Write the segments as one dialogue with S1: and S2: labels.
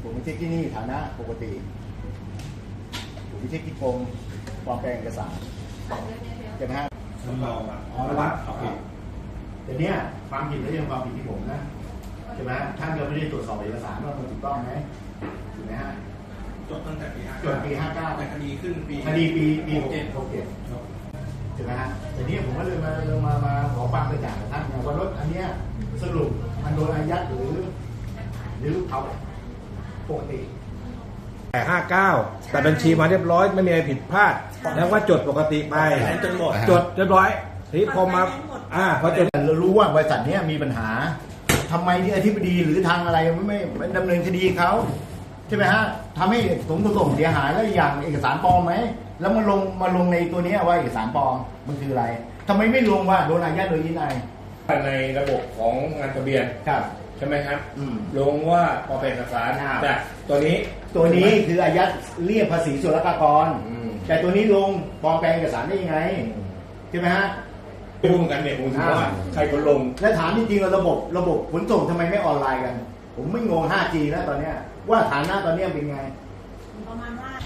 S1: ผมไปเช็คที่นี่ฐานะปกติผมไปเช็คที่กรมปลอมแปลงเอกสารใช่ไหมฮะ อ๋อวัดโอเคแต่เนี้ยความผิดไม่ใช่ความผิดที่ผมนะใช่ไหมท่านก็ไม่ได้ตรวจสอบเอกสารว่ามันถูกต้องไหมถูกไหมฮะ
S2: จบตั้งแต่ปี
S1: จนปี59
S2: แต่คดีขึ้นปี
S1: คดีปี67ใช่ไหมฮะแต่นี้ผมก็เลยมาขอความกระจ่างกับท่านว่ารถอันเนี้ยสรุปมันโดนอายัดหรือเขาปกติ
S3: แต่59แต่บัญชีมาเรียบร้อยไม่มีอะไรผิดพลาดแล้วว่าจดปกติไปจนหมดจดเรียบร้อยทีนี้พอมาพอจด
S1: เรารู้ว่าบริษัทนี้มีปัญหาทำไมที่อธิบดีหรือทางอะไรไม่ดำเนินคดีเขาใช่ไหมฮะทำให้สมส่งเสียหายแล้วอย่างเอกสารปลอมไหมแล้วมาลงในตัวนี้ว่าเอกสารปลอมมันคืออะไรทำไมไม่ลงว่าโดนอายัดโดยยินไอ
S3: ในระบบของงานทะเบียน
S1: ครับ
S3: ใช่ไหมครับลงว่าพอเป็นเอกสาร
S1: ครับ
S3: แต่ตัวนี้
S1: คืออายัดเรียกภาษีศุลกากรแต่ตัวนี้ลงปลอมแปลงเอกสารได้ยังไงใช่ไหมฮะ
S3: ไม่รู้เหมือนกันเนี่ยผมถือว่าใครคนลง
S1: และถามจริงๆว่าระบบขนส่งทำไมไม่ออนไลน์กัน ผมไม่งง 5G แล้วตอนเนี้ยว่าฐานะตอนเนี้ยเป็นไง
S4: ประมาณว่า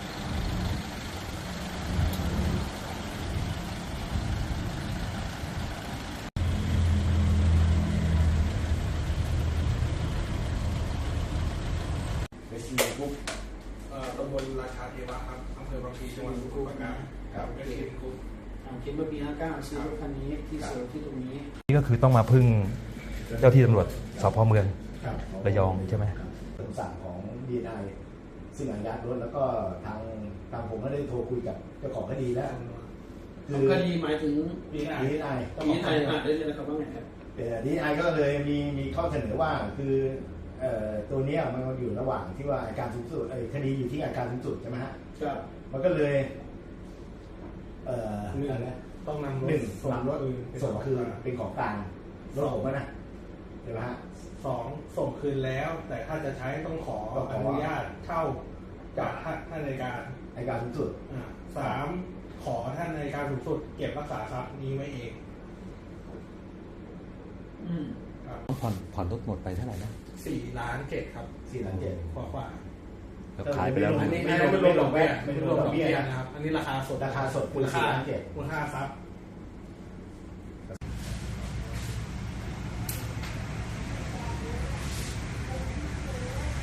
S2: ตำบลราชาเทวะครับอำเภอบางพลีจังหวัดสมุทรปราการครับเป็นทีมกลุ่ม
S4: คิดว่าปี59ซื้อรถคันนี้ที่เซลล์ที่ตรงนี้
S5: นี่ก็คือต้องมาพึ่งเจ้าที่ตำรวจสพเมือง
S1: ครับ
S5: ระยองใช่ไหม
S1: คำสั่งของ DNI ซึ่งอายัดรถแล้วก็ทางผมก็ได้โทรคุยกับเจ้าของคดีแล้วคือ
S4: คดีหมายถึง
S1: DNI ต้อง
S4: ปี
S1: บอก
S4: ไทยได้เลยนะครับว่าไงครับ
S1: DNI ก็เลยมีข้อเสนอว่าคือตัวเนี้ยมันอยู่ระหว่างที่ว่าอัยการสูงสุดคดีอยู่ที่อัยการสูงสุดใช่ไหมฮะ
S4: ครับ
S1: มันก็เลย
S2: ต้องนำร
S1: หนึ่
S2: ถ
S1: งส่งรถส่งคือเป็นของกลางรถผมนะใช่ไหมฮะ
S2: สองส่งคืนแล้ว แต่ถ้าจะใช้ต้องขออนุญาตเช่าจากท่านอัยการ
S1: อัยการสูงสุด
S2: สามขอท่านอัยการสูงสุดเก็บรักษาทรัพย์นี้ไว้เองครับ
S5: ผ่อนรถหมดไปเท่าไหร่นะ
S2: 4.7 ล้านครับ
S1: 4,700,000
S2: กว่า
S5: แล้วขายไปแล้ว
S2: อันนี้ไม่รวมดอกเบี้ยนะครับอันนี้ราคาสด
S1: ราคาสด
S2: มูลค่า
S1: 4,700,000
S2: มูลค่าทรัพย์